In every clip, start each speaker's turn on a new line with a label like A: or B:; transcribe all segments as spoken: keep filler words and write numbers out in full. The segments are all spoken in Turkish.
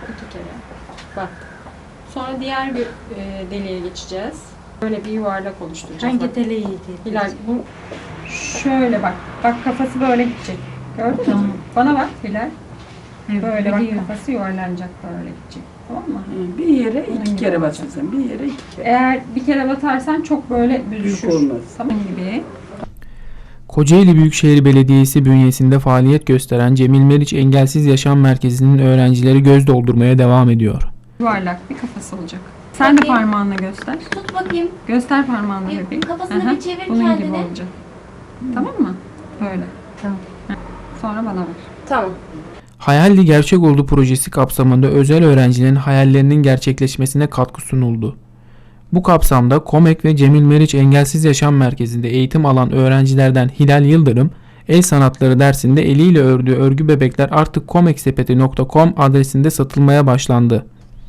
A: İki kere. Bak. Sonra diğer bir e, deliğe geçeceğiz. Böyle bir yuvarlak oluşturacağız.
B: Hangi
A: bak.
B: deliğiydi?
A: Hilal bu şöyle bak. Bak kafası böyle gidecek. Gördün mü?
B: Tamam.
A: Bana bak Hilal.
B: Evet,
A: Böyle bak
B: biliyorum.
A: kafası yuvarlanacak böyle gidecek. Tamam mı?
C: Bir yere
A: Bunun
C: iki
A: gibi
C: kere
A: olacak.
C: basacaksın. Bir yere iki kere.
A: Eğer bir kere batarsan çok böyle
C: Büyük
A: büzüşür.
C: olmaz.
A: Tamam gibi.
D: Kocaeli Büyükşehir Belediyesi bünyesinde faaliyet gösteren Cemil Meriç Engelsiz Yaşam Merkezi'nin öğrencileri göz doldurmaya devam ediyor.
A: Yuvarlak bir kafası olacak. Sen de
E: Bakayım.
A: parmağınla göster.
E: Tut bakayım.
A: Göster parmağınla
E: Bir
A: bebeğim.
E: kafasını
A: Aha,
E: bir çevir
A: bunun
E: kendine.
A: gibi olacak. Tamam mı? Böyle.
B: Tamam.
A: Heh. Sonra bana ver.
E: Tamam.
D: Hayalli Gerçek Oldu projesi kapsamında özel öğrencilerin hayallerinin gerçekleşmesine katkı sunuldu. Bu kapsamda KOMEK ve Cemil Meriç Engelsiz Yaşam Merkezi'nde eğitim alan öğrencilerden Hilal Yıldırım, el sanatları dersinde eliyle ördüğü örgü bebekler artık komeksepeti nokta com adresinde satılmaya başlandı.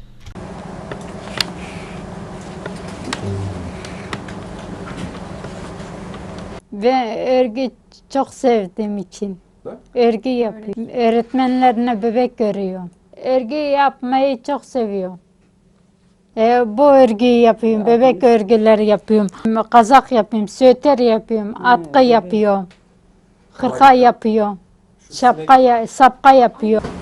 F: Ve örgü çok sevdiğim için örgü yapıyorum. Öğretmenlerine bebek görüyorum. Örgü yapmayı çok seviyorum. E, bu örgüyü yapıyorum, bebek örgüleri yapıyorum. Kazak yapıyorum, süeter yapıyorum, atkı yapıyorum. Hırka yapıyorum. Şapka, ya- sapka yapıyorum.